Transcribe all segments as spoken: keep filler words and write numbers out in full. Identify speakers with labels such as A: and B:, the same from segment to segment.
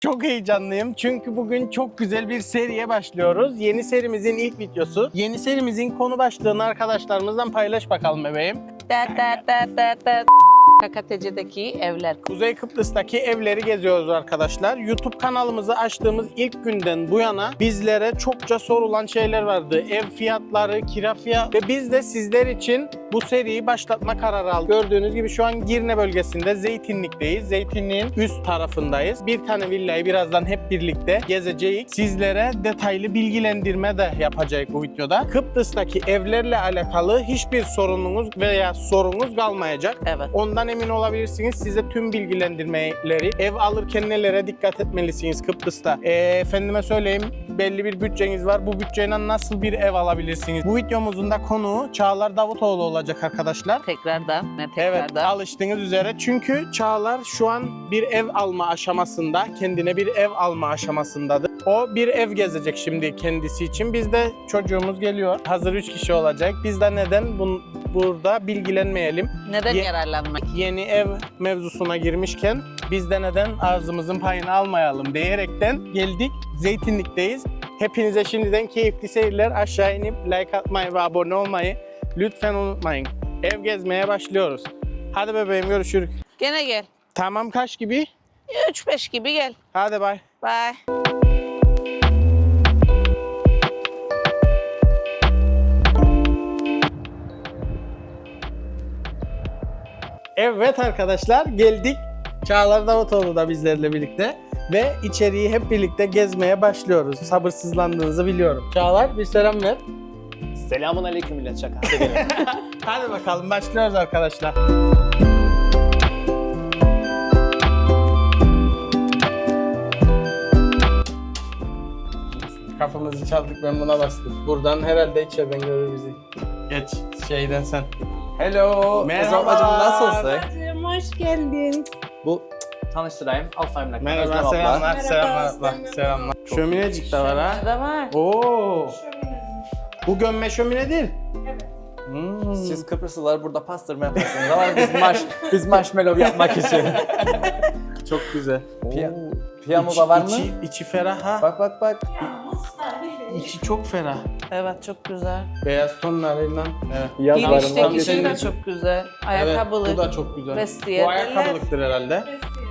A: Çok heyecanlıyım çünkü bugün çok güzel bir seriye başlıyoruz. Yeni serimizin ilk videosu. Yeni serimizin konu başlığını arkadaşlarımızdan paylaş bakalım bebeğim.
B: Da da da da da. K K T C'deki evler.
A: Kuzey Kıbrıs'taki evleri geziyoruz arkadaşlar. YouTube kanalımızı açtığımız ilk günden bu yana bizlere çokça sorulan şeyler vardı. Ev fiyatları, kira fiyatı ve biz de sizler için bu seriyi başlatma kararı aldık. Gördüğünüz gibi şu an Girne bölgesinde Zeytinlik'teyiz. Zeytinlik'in üst tarafındayız. Bir tane villayı birazdan hep birlikte gezeceğiz. Sizlere detaylı bilgilendirme de yapacağız bu videoda. Kıbrıs'taki evlerle alakalı hiçbir sorununuz veya sorunuz kalmayacak.
B: Evet.
A: Ondan emin olabilirsiniz. Size tüm bilgilendirmeleri, ev alırken nelere dikkat etmelisiniz Kıbrıs'ta. E, efendime söyleyeyim, belli bir bütçeniz var. Bu bütçeyle nasıl bir ev alabilirsiniz? Bu videomuzun da konuğu Çağlar Davutoğlu olacak arkadaşlar.
B: Tekrardan. Ne
A: Evet,
B: tekrardan?
A: alıştığınız üzere. Çünkü Çağlar şu an bir ev alma aşamasında, kendine bir ev alma aşamasındadır. O bir ev gezecek şimdi kendisi için. Biz de çocuğumuz geliyor. Hazır üç kişi olacak. Biz de neden bunu burada bilgilenmeyelim?
B: Neden
A: Ye-
B: yararlanmak?
A: Yeni ev mevzusuna girmişken biz de neden ağzımızın payını almayalım diyerekten geldik. Zeytinlik'teyiz. Hepinize şimdiden keyifli seyirler. Aşağı inip like atmayı ve abone olmayı lütfen unutmayın. Ev gezmeye başlıyoruz. Hadi bebeğim, görüşürüz.
B: Gene gel.
A: Tamam, kaç gibi?
B: üç beş gibi gel.
A: Hadi bay.
B: Bye.
A: Evet arkadaşlar, geldik. Çağlar Davutoğlu da bizlerle birlikte ve içeriği hep birlikte gezmeye başlıyoruz. Sabırsızlandığınızı biliyorum. Çağlar, bir selam ver.
C: Selamun aleyküm millet, şaka. Hadi gelin.
A: Hadi bakalım, başlıyoruz arkadaşlar. Kapımızı çaldık, ben buna bastım. Buradan herhalde içeriden görür bizi. Geç şeyden sen.
C: Hello.
A: Merhaba.
C: Bacım, nasılsın?
D: Bacım, hoş geldin.
C: Bu tanıştırayım. Alfa Emlak.
A: Merhaba,
C: Özlem abla.
A: selamlar,
D: Merhaba,
A: selamlar,
D: Özlem
A: abla,
D: abla.
A: selamlar. Şöminecik de var ha.
B: Ne de var?
A: Oo,
D: Şöyle.
A: bu gömme şömine değil.
D: Evet.
A: Hmm.
C: Siz Kıbrıslılar burada pastırma yaparsınız ama biz maş, biz marshmallow yapmak için.
A: Çok güzel.
C: Piya-
A: Oo.
C: Piyano
A: İçi-
C: da var mı?
A: içi, içi ferah ha.
C: Bak bak bak.
D: Yalnız sadece.
A: İçi çok ferah.
B: Evet, çok güzel.
A: Beyaz tonlarıyla. Evet.
C: Yazlarından
B: Girişteki
A: bir
B: şey
A: şey
B: de
A: değil.
B: çok güzel.
A: Evet,
B: Ayakkabılık.
A: bu da çok güzel.
B: Vestiyer
A: Bu ayakkabılıktır herhalde.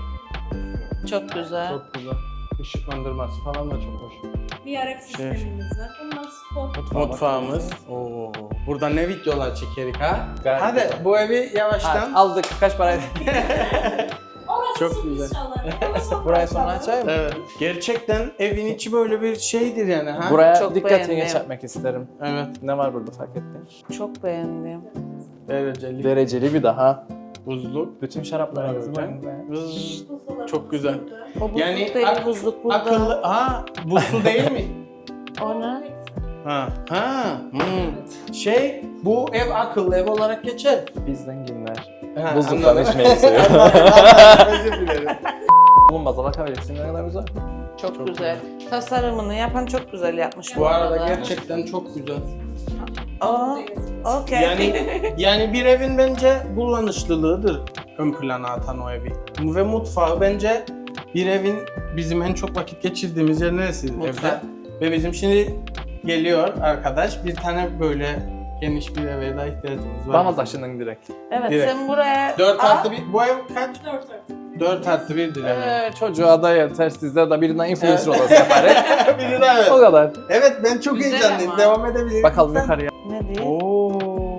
B: çok güzel.
A: Çok güzel. Işıklandırması falan da çok hoş.
D: Bir Arap sistemimiz var. Bunlar spot.
A: Mutfağımız. Oo. Burada ne videolar çekerik ha?
C: Gayet
A: Hadi
C: güzel.
A: bu evi yavaştan.
C: Ha, aldık. Kaç paraydı?
D: Orası
A: Çok
D: sürpriz
A: güzel.
D: çalar.
C: Burayı sonra açayım mı?
A: Evet. Gerçekten evin içi böyle bir şeydir yani ha.
C: Buraya
B: Çok
C: dikkatini
B: beğendim.
C: çekmek isterim.
A: Evet.
C: Ne var burada fark ettin?
B: Çok beğendim.
A: Dereceli.
C: Dereceli bir daha.
A: Buzlu.
C: Bütün şarapları
A: Evet.
C: göreceğim.
A: Vız. Çok güzel.
B: O buzluk
A: Yani
B: değil,
A: ak-
B: buzluk burada.
A: Akıllı. Ha, bu su değil mi?
B: O ne?
A: Ha. Ha. Hmm. Şey, bu ev akıllı ev olarak geçer.
C: Biz zenginler.
A: Ha,
C: Buzluktan
A: anladım.
C: içmeyi seviyorum.
A: Özür dilerim.
C: Oğlum baza bakabilirsin, ne kadar güzel.
B: Çok,
A: Çok
B: güzel. Tasarımını yapan çok güzel yapmış
A: Bu arada gerçekten çok güzel.
B: Aa, okey.
A: Yani yani bir evin bence kullanışlılığıdır ön plana atan o evi. Ve mutfağı bence bir evin bizim en çok vakit geçirdiğimiz yer neresi
B: Mutfak.
A: evde? Ve bizim şimdi geliyor arkadaş, bir tane böyle geniş bir eve daha ihtiyacımız var.
C: Bana taşının direkt.
B: Evet,
A: Direkt.
B: sen buraya...
A: dört
B: Aa,
A: artı bir, bu ev kaç?
D: Dört artı.
A: dört artı birdir yani.
C: Ee, çocuğa da yeter, sizde de birinden influencer odası yaparız.
A: Biri daha evet.
C: O kadar.
A: Evet, ben çok
B: Güzel
A: heyecanlıyım.
B: ama.
A: Devam edebilirim.
C: Bakalım
A: lütfen.
C: yukarıya.
B: Ne diye?
A: Oo.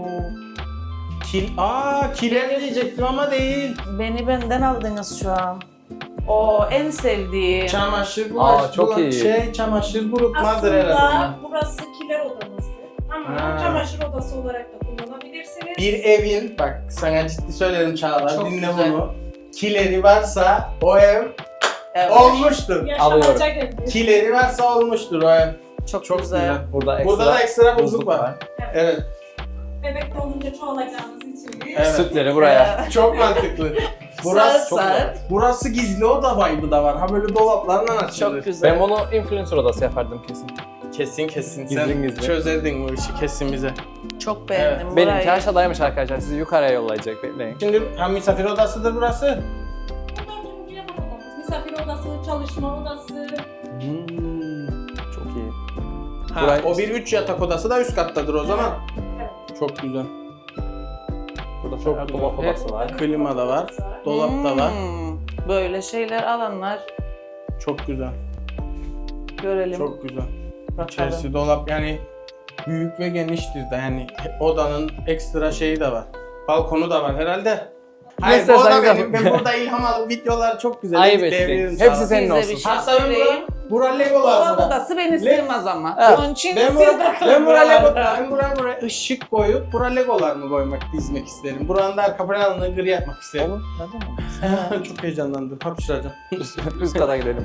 A: Kil, aa kiler diyecektim ama değil.
B: Beni benden aldınız şu an. O en sevdiğim.
A: Çamaşır bu.
C: Aa, çok iyi.
A: Şey, çamaşır kurutmadır herhalde.
D: Aslında burası kiler odamızdır. Ama
A: Ha.
D: çamaşır odası olarak da kullanabilirsiniz.
A: Bir evin, bak sana ciddi söylerim Çağlar,
B: Çok
A: dinle
B: güzel.
A: bunu. Kileri varsa o ev
B: Evet.
A: olmuştur.
D: Yaşanacak evdir.
A: Kileri varsa olmuştur o ev.
B: Çok,
A: Çok
B: güzel.
A: güzel.
C: Burada ekstra
A: Burada da ekstra buzluk var. Evet.
D: Bebek doğunca çoğalacağınız için.
A: Evet.
C: Sütleri buraya.
A: Çok mantıklı. Burası
B: Sarı sarı.
A: burası gizli oda vibe'ı da var. Ha böyle dolaplarla açılır.
B: Çok güzel.
C: Ben bunu influencer odası yapardım kesin.
A: Kesin kesin.
C: Gizli
A: Sen
C: gizli.
A: çözerdin bu işi kesin bize.
B: Çok beğendim
A: Evet.
B: burayı.
C: Benimki aşağıdaymış arkadaşlar. Sizi yukarıya yollayacak. Bekleyin.
A: Şimdi ha misafir odasıdır burası.
D: Bu dördüncü yatak odamız. Misafir odası çalışma odası.
A: Hmm.
C: Çok iyi.
A: Ha,
C: Burayı-
A: o bir üç yatak odası da üst kattadır o zaman.
D: Evet.
A: Çok güzel.
C: Burada
A: Çok
C: çok
A: güzel.
C: dolap odası var.
A: Klima da var. Dolap da var.
B: Hmm, Böyle şeyler alanlar
A: Çok güzel.
B: görelim.
A: Çok güzel.
B: bakalım.
A: İçerisi dolap yani büyük ve geniştir de yani odanın ekstra şeyi de var. Balkonu da var herhalde. Hayır bu
C: istersen
A: oda benim.
C: yap.
A: Ben burada ilham alıp videolar çok güzel.
C: Ayıp
A: editleyebilirim
C: ettin.
A: sana.
C: Hepsi senin
B: Size
C: olsun.
B: bir şey
A: Hatta ben
B: söyleyeyim.
A: bura, bura Legolar
B: Dolap
A: bura.
B: odası beni sığmaz ama.
A: Ha,
B: Onun için
A: Ben
B: siz
A: bura,
B: de
A: ben bura Lego,
B: buralarda.
A: ben bura buraya ışık koyup bura Legolar mı koymak, dizmek isterim. Buranın da arka planını gri yapmak isterim.
C: Olur. Neden mi?
A: Çok heyecanlandım. Hapşıracağım.
C: Üst kata gidelim.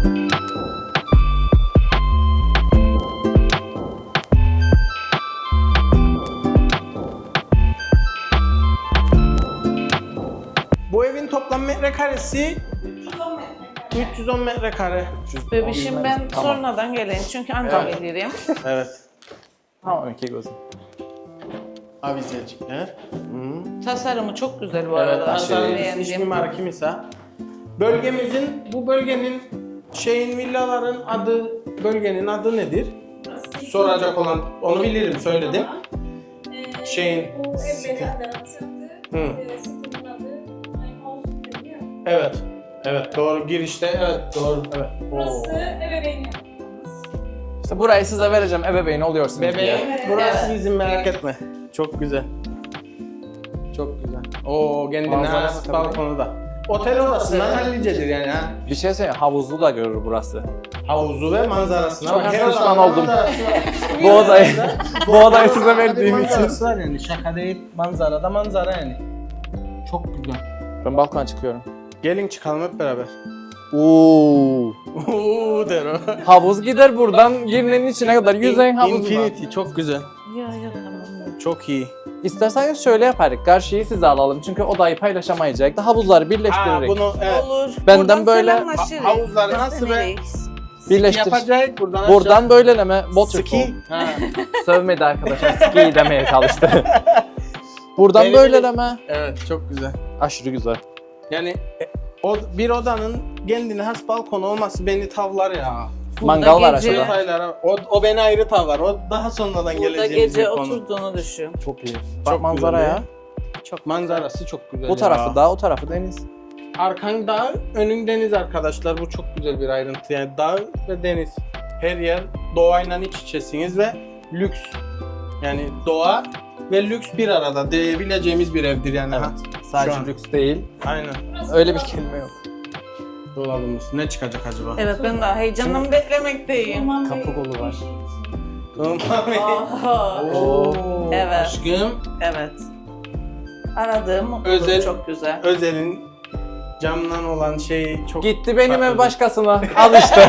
A: Bu evin toplam metrekaresi
D: üç yüz on metrekare.
A: üç yüz on metrekare.
B: Bebişim ben
C: Tamam.
B: sonradan geleyim çünkü ancak
A: Evet.
B: gelirim.
A: Evet.
C: Tamam iki gözüm.
A: Avizecikler. Hı.
B: Tasarımı çok güzel bu
A: Evet,
B: arada.
A: Antalya'nın iç
B: Beğendim.
A: mimarı kimisa. Bölgemizin, bu bölgenin şeyin villaların adı, bölgenin adı nedir? Soracak olan, onu bilirim, söyledim.
D: Ee,
A: Şeyin-
D: Bu ev beni anlattı.
A: Hı.
D: Ee, Sitenin adı House deniyor.
A: Evet. Evet, doğru. Girişte, evet, doğru. Evet.
D: Burası
A: Oo.
D: ebeveyn yapımız.
C: İşte burayı size vereceğim ebeveyn oluyorsunuz diye.
A: Bebeğim,
D: Evet.
A: burası
B: Evet.
A: bizim merak etme. Çok güzel. Çok güzel. Oo, kendine
C: Manzara
A: has
C: bakabilir
A: balkonu da. Otel odasından hallicedir yani ha.
C: Bir şey söyleyeyim, havuzlu da görür burası.
A: Havuzu ve manzarasına.
C: Çok
A: bak. Her
C: pişman
A: odanın
C: oldum.
A: manzarası var.
C: Bu odayı, bu odayı size
A: Manzara-
C: verdiğim için.
A: manzarası var yani, şaka değil. Manzara da manzara yani. Çok güzel.
C: Ben balkona çıkıyorum.
A: Gelin çıkalım hep beraber.
C: Oo.
A: Uuu der o.
C: Havuz gider buradan girnenin içine kadar yüzeyin havuzu var.
A: Infinity çok güzel.
B: Ya ya tamam.
A: Çok iyi.
C: İsterseniz şöyle yaparız. Karşıyı size alalım çünkü odayı paylaşamayacak da havuzları
A: Aa,
C: birleştirerek.
A: bunu evet.
B: Olur.
C: Benden
B: Buradan
C: böyle
B: selamlaşırız.
A: ha- havuzları
B: Biz de
A: nasıl be?
B: nereyiz?
C: Birleştir.
A: Yapacak buradan
C: Buradan böyleleme waterfall.
A: Ski. Ha.
C: Sövmedi arkadaşlar. Ski demeye çalıştı. Buradan
A: Benim-
C: böyleleme.
A: Evet çok güzel.
C: Aşırı güzel.
A: Yani e, o bir odanın kendine has balkonu olması beni tavlar ya.
B: Burada
C: Mangal var
B: gece-
C: aşağıda.
A: Detaylara o, o beni ayrı tavlar. O daha sonradan
B: Burada
A: geleceğimiz bir
B: gece
A: konu.
B: oturduğunu düşün.
C: Çok iyi.
A: Çok
C: Bak manzaraya.
B: Çok
A: Manzarası çok güzel.
C: Bu tarafı dağ, o tarafı deniz.
A: Arkan dağ, önün deniz arkadaşlar. Bu çok güzel bir ayrıntı. Yani dağ ve deniz. Her yer doğayla iç içesiniz ve lüks. Yani doğa ve lüks bir arada diyebileceğimiz bir evdir yani. Ha.
C: Evet. Sadece
A: Şu an.
C: lüks değil.
A: Aynen.
D: Burası
C: Öyle bir
D: dolap
C: kelime yok.
A: Dolabımız. Ne çıkacak acaba?
B: Evet ben de heyecanla beklemekteyim.
D: Numan
C: Kapı
D: Bey,
C: kolu var.
D: bir şey için.
B: Aha.
A: Oo,
B: Evet.
A: Aşkım.
B: Evet. Aradığım
A: Özel-
B: çok güzel.
A: Özel'in camdan olan şey çok...
C: Gitti benim ev
A: Farklı.
C: başkasına. Al işte.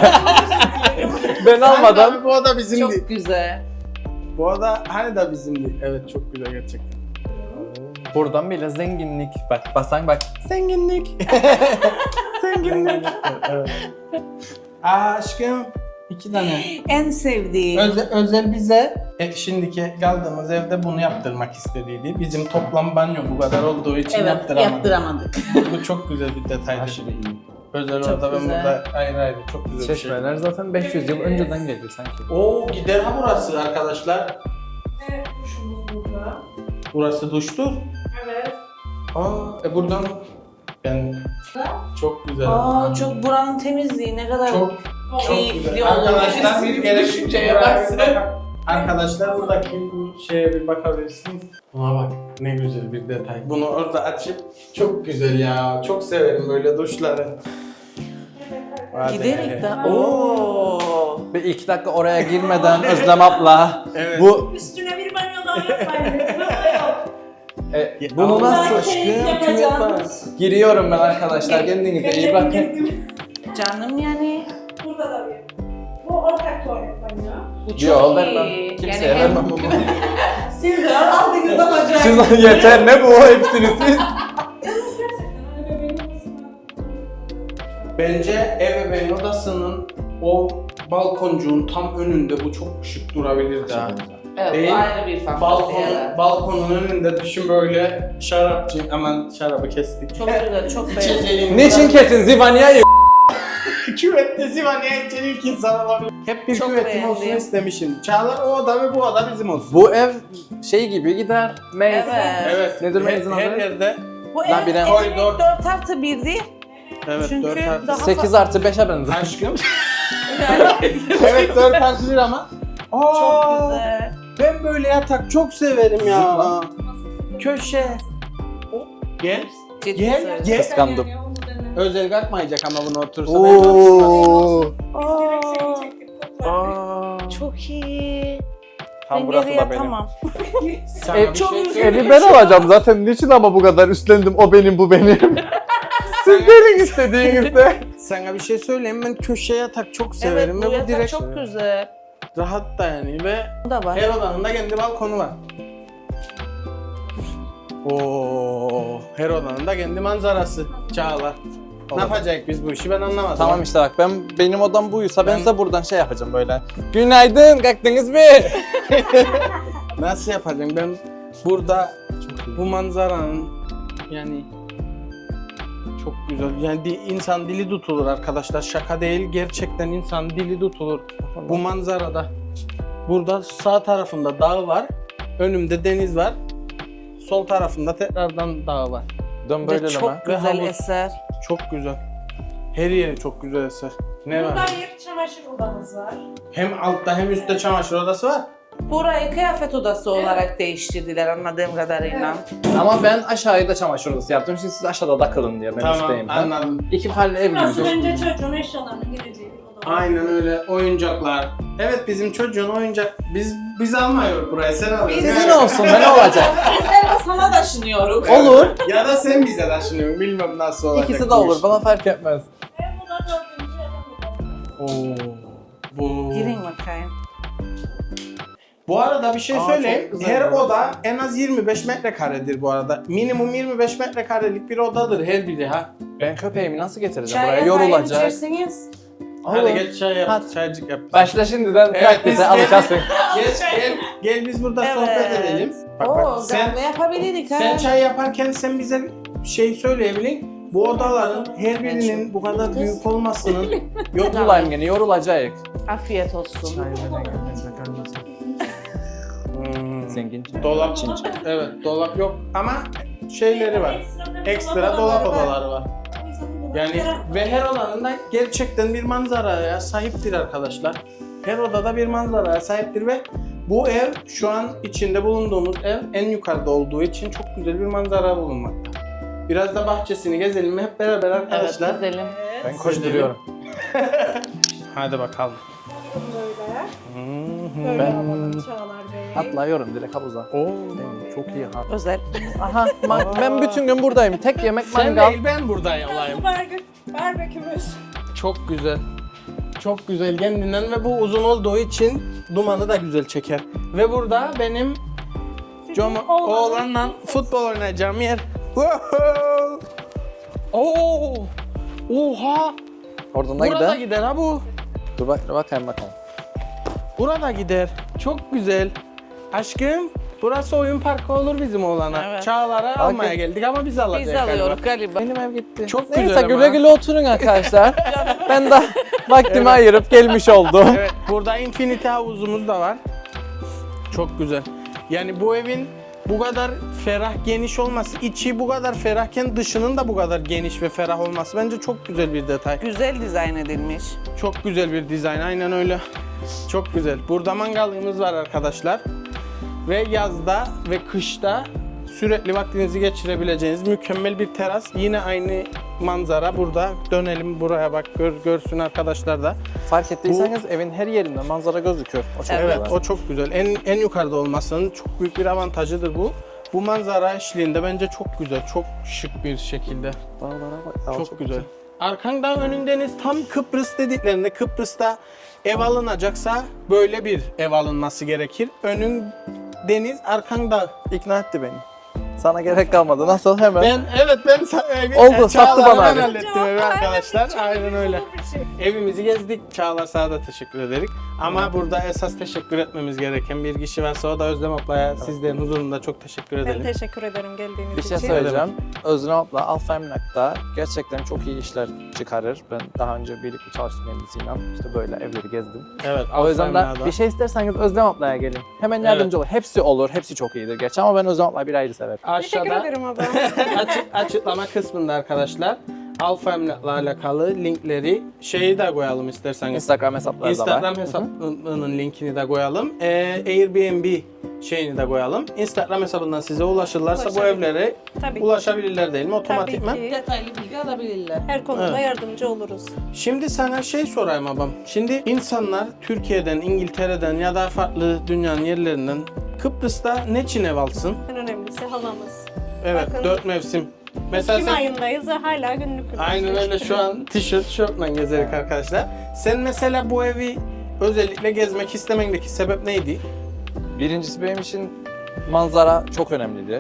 C: Ben almadan.
A: Hani bu oda bizimdi.
B: Çok güzel.
A: Bu oda hani da bizimdi. Evet çok güzel gerçekten.
C: Buradan bile zenginlik. Bak basan bak.
A: Zenginlik. Zenginlik. Evet. Aa, aşkım. iki tane.
B: En sevdiğim.
A: Özel, özel bize e, şimdiki kaldığımız evde bunu yaptırmak istediydi. Bizim toplam banyo bu kadar olduğu için
B: Evet,
A: yaptıramadık.
B: yaptıramadık.
A: Bu çok güzel bir detaydı.
C: Aşırı iyi.
A: Özel
B: Çok
A: orada ben
B: güzel.
A: burada ayrı ayrı çok güzel bir şey.
C: Çeşmeler zaten beş yüz yıl önceden geliyor sanki.
A: Oo gider ha burası arkadaşlar.
D: Evet, duşumuz burada.
A: Burası duştur.
D: Evet.
A: Aa e buradan ben çok güzel.
B: Aa çok buranın temizliği ne kadar
A: çok
D: Çok
A: çok
B: keyifli
A: güzel.
B: olur.
A: Arkadaşlar bir
B: Birisi
A: gerek
B: düşünceye baksın.
A: Arkadaşlar buradaki bu şeye bir bakabilirsiniz. Buna bak ne güzel bir detay. Bunu orada açıp çok güzel ya. Çok severim böyle duşları. Hadi.
B: giderek de. Oo.
C: Bir iki dakika oraya girmeden Özlem abla.
A: Evet.
C: Bu
D: Üstüne bir banyo daha yapmayın. Burada yok.
C: e, bunu
A: Allah
C: nasıl
A: aşkına kim yapar?
C: giriyorum ben arkadaşlar. Kendinize iyi bakın.
B: Canım yani.
D: Burada da bir. Bu ortak tuvalet banyo.
B: Bu çok
C: Yo
B: iyi.
C: vermem. Kimseye
B: Yani hem-
C: vermem bunu.
D: Siz de aldınız ama acayip.
C: Siz yeter ne bu hepsini siz.
D: Yalnız gerçekten öyle benim odasına-
A: Bence ebeveyn odasının o balkoncuğun tam önünde bu çok şık durabilirdi ha.
B: Evet,
A: Değil.
B: bu ayrı bir fantazi.
A: Balkon,
B: Evet.
A: balkonun önünde düşün böyle şarapçı, aman şarabı kestik.
B: Çok güzel, çok beğendim.
A: İçeceğin
C: Niçin kesin Zivanya'yı
A: bir küvette Zivaniye için ilk insan olabilir. Hep bir
B: Çok
A: küvetim
B: beğendim.
A: olsun istemişim. Çağlar o oda ve bu oda bizim olsun.
C: Bu ev şey gibi gider. Maze.
B: Evet.
A: Evet.
C: Nedir
A: her,
C: mezun
A: her
C: adı?
A: yerde.
B: Bu
C: Ben
B: ev
C: bilemem.
B: evlilik
A: Koridor.
B: dört artı birdi.
A: Evet
B: Çünkü
A: dört artı.
B: daha
C: sekiz
B: fa-
C: artı beşe benzer.
A: Aşkım. Evet dört artı bir ama. Aa,
B: Çok güzel.
A: Ben böyle yatak çok severim ya.
C: Zıpla.
A: Köşe. Gel.
B: Ciddi
A: Gel.
B: söylüyorum.
A: Gel.
C: Kıskandım.
D: Yani onu dene.
A: Özel kalkmayacak ama bunu otursa.
C: Oo.
D: Direkt seni çektik.
A: Aa.
B: Çok iyi.
C: Tam
B: Ben
C: burası
B: geriye
C: da benim.
B: tamam.
A: Sana
C: Ev-
A: bir
B: çok
A: şey
B: güzel.
A: söyleyeyim.
C: Evi ben alacağım zaten. Niçin ama bu kadar üstlendim? O benim, bu benim. Siz verin istediğinizde.
A: Sana bir şey söyleyeyim, ben köşe yatak çok
B: Evet
A: severim
B: bu
A: ve bu
B: yatak
A: direkt
B: çok güzel.
A: rahat da yani ve
B: Bu da var.
A: her odanın da kendi balkonu var. Oo, her odanın da kendi manzarası. Çağlar. Ne yapacak biz bu işi ben anlamadım.
C: Tamam işte bak ben benim odam buysa ben,
A: Ben-
C: size buradan şey yapacağım böyle. Günaydın, kalktınız mı?
A: Nasıl yapacağım ben burada bu manzaranın yani çok güzel. Yani di- insan dili tutulur arkadaşlar. Şaka değil, gerçekten insan dili tutulur. Bu manzarada. Burada sağ tarafımda dağ var. Önümde deniz var. Sol tarafımda tekrardan dağ var.
C: Dön
B: Ve
C: böyle
B: çok
C: mi?
A: Ve
B: güzel
A: havuz.
B: eser.
A: Çok güzel. Her yeri çok güzel eser. Ne
D: Burada
A: var?
D: bir çamaşır odamız var.
A: Hem altta hem üstte çamaşır odası var.
B: Burayı kıyafet odası olarak değiştirdiler anladığım kadarıyla.
C: Ama ben aşağıda çamaşır odası yaptım. Şimdi siz aşağıda takılın diye ben üstteyim. Ha?
A: anladım.
C: İki farklı ev
D: Burası
C: gibi.
D: bence çocuğun eşyalarının geleceği bir oda.
A: Aynen öyle. Oyuncaklar. Evet bizim çocuğun oyuncak. Biz biz almıyoruz buraya. Sen alıyorsun.
C: Sizin olsun ben ne olacak?
B: Bizler de sana taşınıyoruz.
C: Olur.
A: Ya da sen bize taşınıyorsun. Bilmem nasıl olacak.
C: İkisi de
A: bu
C: olur
A: iş.
C: bana fark etmez.
D: Hem burada dördüncü hem burada.
A: Oo. Bu.
B: Girin bakayım.
A: Bu arada bir şey
C: Aa,
A: söyleyeyim.
C: çok güzel
A: Her
C: bu.
A: oda en az yirmi beş metrekaredir bu arada. Minimum yirmi beş metrekarelik bir odadır her biri ha.
C: Ben köpeğimi nasıl getireceğim
B: Çay
C: buraya?
B: yapayım
C: Yorulacak.
B: içersiniz.
A: Hadi
C: Olur.
A: geç çay yap.
C: Hadi.
A: Çaycık yap.
C: Başla şimdiden
A: Evet,
C: praktise
A: biz-
C: alacaksın.
A: Geç gel. Gel biz burada sohbet
B: Evet.
A: edelim. Bak
B: Oo,
A: bak sen
B: kahve yapabilirik ha.
A: sen çay yaparken sen bize şey söyleyebilin. Bu odaların her birinin bu kadar büyük olmasının yok
C: Yorulayım gene yorulacak.
B: Afiyet olsun.
A: Hmm.
C: Zengin.
A: Dolap evet dolap yok ama şeyleri var. Ekstra dolap odaları var. Yani ve her odanın da gerçekten bir manzaraya sahiptir arkadaşlar. Her odada bir manzaraya sahiptir ve bu ev şu an içinde bulunduğumuz ev en yukarıda olduğu için çok güzel bir manzara bulunmakta. Biraz da bahçesini gezelim mi hep beraber
B: Evet
A: arkadaşlar?
B: güzelim.
C: Ben koşturuyorum.
A: Hadi bakalım.
D: Böyle.
A: Hmm.
D: Böyle
C: Ben-
D: alalım Çağlar Bey.
C: Atlıyorum direkt havuza.
A: Oo,
C: Çok iyi ha.
B: Özel.
C: Aha man- ben bütün gün buradayım. Tek yemek
A: sen
C: mangal.
A: değil ben buradayım olayım.
D: Barbekü, barbekümüz.
A: Çok güzel. Çok güzel kendinden ve bu uzun olduğu için dumanı da güzel çeker. Ve burada benim Coma, oğlanla futbol oynayacağım yer. Wow! Oo! Oha!
C: Oradan da
A: Burada
C: gider.
A: gider ha bu.
C: Dur bak, bakayım bakalım.
A: Burada gider. Çok güzel. Aşkım, burası oyun parkı olur bizim oğlana.
B: Evet.
A: Çağlar'a almaya geldik ama biz alacağız.
B: Biz
A: galiba.
B: alıyoruz galiba.
C: Benim ev gitti.
A: Çok
C: Neyse
A: güzel ama.
C: güle güle oturun arkadaşlar. ben de vaktimi
A: Evet.
C: ayırıp gelmiş oldum.
A: Evet, burada infinity havuzumuz da var. Çok güzel. Yani bu evin bu kadar ferah, geniş olması, içi bu kadar ferahken dışının da bu kadar geniş ve ferah olması bence çok güzel bir detay.
B: Güzel dizayn edilmiş.
A: Çok güzel bir dizayn, aynen öyle. Çok güzel. Burada mangalımız var arkadaşlar. Ve yazda ve kışta sürekli vaktinizi geçirebileceğiniz mükemmel bir teras. Yine aynı manzara burada. Dönelim buraya bak gör, görsün arkadaşlar da.
C: Fark ettiyseniz evin her yerinde manzara gözüküyor. O çok
A: Evet,
C: güzel.
A: o çok güzel. En en yukarıda olmasının çok büyük bir avantajıdır bu. Bu manzara eşliğinde bence çok güzel, çok şık bir şekilde.
C: Dağlara bak. Dağ
A: Çok, güzel. Arkanda önün deniz, tam Kıbrıs dediklerinde Kıbrıs'ta ev alınacaksa böyle bir ev alınması gerekir. Önün deniz, arkan dağ.
C: İkna etti beni. Sana gerek kalmadı. Nasıl hemen?
A: Ben evet ben sa- evi,
C: Oldu,
A: e,
C: sattı
A: Çağlar'dan
C: bana abi.
A: hallettim evi arkadaşlar. Aynen öyle.
D: Bir şey.
A: Evimizi gezdik. Çağlar sana da teşekkür ederim. Ama burada esas teşekkür etmemiz gereken bir kişi varsa o da Özlem ablaya sizlerin huzurunda çok teşekkür
D: Ben
A: edelim.
D: teşekkür ederim geldiğiniz
C: Bir şey
D: için.
C: söyleyeceğim. Özlem abla Alfa Emlak'ta gerçekten çok iyi işler çıkarır. Ben daha önce birlikte çalıştım kendisiyle. İşte böyle evleri gezdim.
A: Evet.
C: O yüzden de
A: Alfa
C: bir şey isterseniz Özlem ablaya gelin. Hemen yardımcı olur. Hepsi olur. Hepsi çok iyidir gerçi ama ben Özlem ablayı bir ayrı severim.
D: Teşekkür
A: Aşağıda
D: ederim abi.
A: açık, açıklama kısmında arkadaşlar Alfa Emlak'la alakalı linkleri şeyi de koyalım isterseniz.
C: Instagram hesapları da var.
A: Instagram hesabının linkini de koyalım. Ee, Airbnb şeyini de koyalım. Instagram hesabından size ulaşırlarsa bu
D: Ulaşabilir.
A: evlere
D: Tabii ki.
A: ulaşabilirler değil mi
D: Tabii
A: otomatikman?
D: ki.
B: Detaylı bilgi alabilirler.
D: Her konuda
A: Evet.
D: yardımcı oluruz.
A: Şimdi sana şey sorayım abam. Şimdi insanlar Türkiye'den, İngiltere'den ya da farklı dünyanın yerlerinden Kıbrıs'ta ne için ev alsın?
D: En önemlisi havamız.
A: Evet,
D: Bakın.
A: dört mevsim. Mesela
D: Ekim
A: sen...
D: ayındayız ve hala günlük günlük.
A: Aynen öyle şu an tişört, şortla gezerek arkadaşlar. Sen mesela bu evi özellikle gezmek istemendeki sebep neydi?
C: Birincisi benim için manzara çok önemlidir.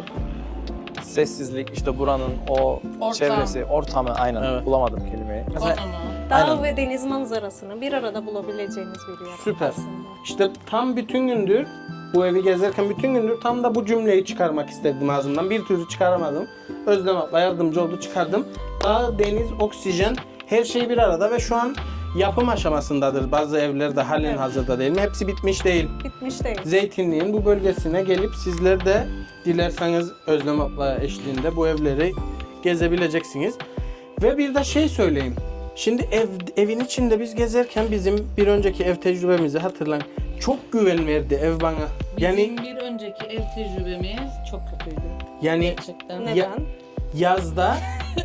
C: Sessizlik, işte buranın o
B: Ortam.
C: çevresi, ortamı aynen
A: Evet.
C: bulamadım kelimeyi. Mesela
B: Konumu.
D: Dağ
C: Aynen.
D: ve deniz manzarasını bir arada bulabileceğiniz bir yer
A: Süper.
D: aslında.
A: İşte tam bütün gündür bu evi gezerken bütün gündür tam da bu cümleyi çıkarmak istedim ağzımdan. Bir türlü çıkaramadım. Özlem abla yardımcı oldu, çıkardım. Dağ, deniz, oksijen her şey bir arada ve şu an yapım aşamasındadır. Bazı evler de halen
D: Evet.
A: hazırda değil mi? Hepsi bitmiş değil.
D: Bitmiş değil.
A: Zeytinliğin bu bölgesine gelip sizler de dilerseniz Özlem abla eşliğinde bu evleri gezebileceksiniz. Ve bir de şey söyleyeyim. Şimdi ev, evin içinde biz gezerken bizim bir önceki ev tecrübemizi hatırlayın. Çok güven verdi ev bana. Yani
B: Bizim bir önceki ev tecrübemiz çok kötüydü.
A: yani
B: Gerçekten.
D: Neden?
A: yazda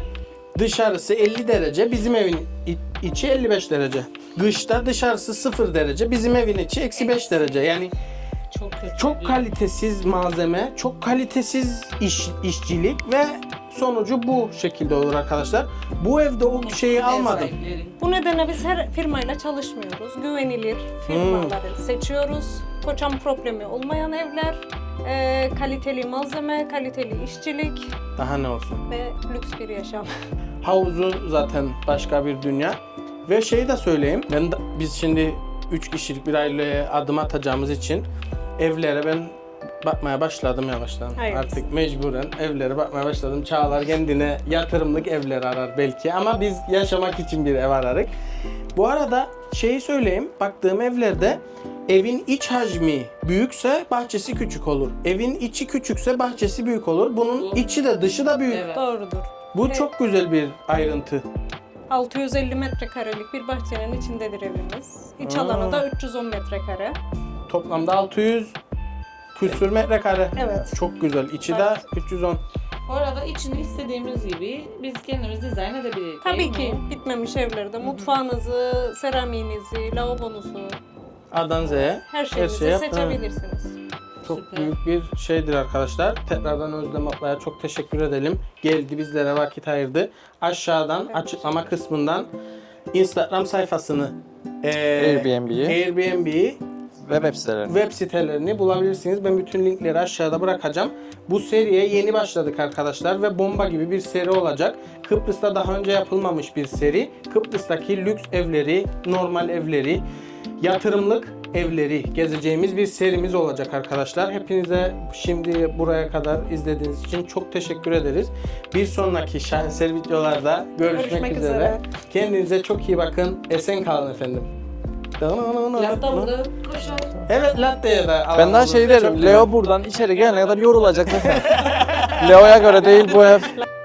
A: dışarısı elli derece, bizim evin i- içi elli beş derece. Kışta dışarısı sıfır derece, bizim evin içi eksi beş derece. Yani
B: Çok kötüydü.
A: çok kalitesiz malzeme, çok kalitesiz iş, işçilik ve sonucu bu şekilde olur arkadaşlar. Bu evde o şeyi
B: Ev
A: almadım.
B: sahipleri.
D: Bu nedenle biz her firmayla çalışmıyoruz. Güvenilir firmaları seçiyoruz. Koçan problemi olmayan evler, e, kaliteli malzeme, kaliteli işçilik
A: Daha ne olsun.
D: ve lüks bir yaşam.
A: Havuzu zaten başka bir dünya. Ve şeyi de söyleyeyim. Ben de, biz şimdi üç kişilik bir aileye adım atacağımız için evlere ben bakmaya başladım yavaştan.
D: Evet.
A: Artık mecburen evlere bakmaya başladım. Çağlar kendine yatırımlık evler arar belki ama biz yaşamak için bir ev ararız. Bu arada şeyi söyleyeyim. Baktığım evlerde evin iç hacmi büyükse bahçesi küçük olur. Evin içi küçükse bahçesi büyük olur. Bunun içi de dışı da büyük.
B: Evet.
D: Doğrudur.
A: Bu
D: Evet.
A: çok güzel bir ayrıntı.
D: altı yüz elli metrekarelik bir bahçenin içindedir evimiz. İç
A: Aa.
D: alanı da üç yüz on metrekare.
A: Toplamda altı yüz küsür metrekare.
D: Evet.
A: Çok güzel. İçi de
D: Evet.
A: üç yüz on.
B: Bu arada içini istediğimiz gibi biz kendimiz dizayn edebiliriz.
D: Tabii
B: değil
D: ki
B: mi?
D: bitmemiş evlerde mutfağınızı, seramiğinizi, lavabonuzu,
A: A'dan Z'ye
D: her şeyinizi
A: şey yaptın,
D: seçebilirsiniz.
A: çok
B: Süper.
A: büyük bir şeydir arkadaşlar. Tekrardan Özlem ablaya çok teşekkür edelim. Geldi bizlere vakit ayırdı. Aşağıdan
D: Evet.
A: açıklama kısmından Instagram sayfasını, eee
C: Airbnb'yi
A: Airbnb'yi
C: ve web sitelerini.
A: web sitelerini bulabilirsiniz. Ben bütün linkleri aşağıda bırakacağım. Bu seriye yeni başladık arkadaşlar ve bomba gibi bir seri olacak. Kıbrıs'ta daha önce yapılmamış bir seri. Kıbrıs'taki lüks evleri, normal evleri, yatırımlık evleri gezeceğimiz bir serimiz olacak arkadaşlar. Hepinize şimdi buraya kadar izlediğiniz için çok teşekkür ederiz. Bir sonraki şaheser videolarda görüşmek,
D: Görüşmek
A: üzere.
D: üzere.
A: Kendinize çok iyi bakın. Esen kalın efendim.
B: Latta burada koşar.
A: Evet, latte'ye de
C: Ben daha
A: alalım.
C: şey
A: Çok
C: derim,
A: güzel.
C: Leo buradan içeri gelene kadar yorulacak zaten. Leo'ya göre değil bu ev.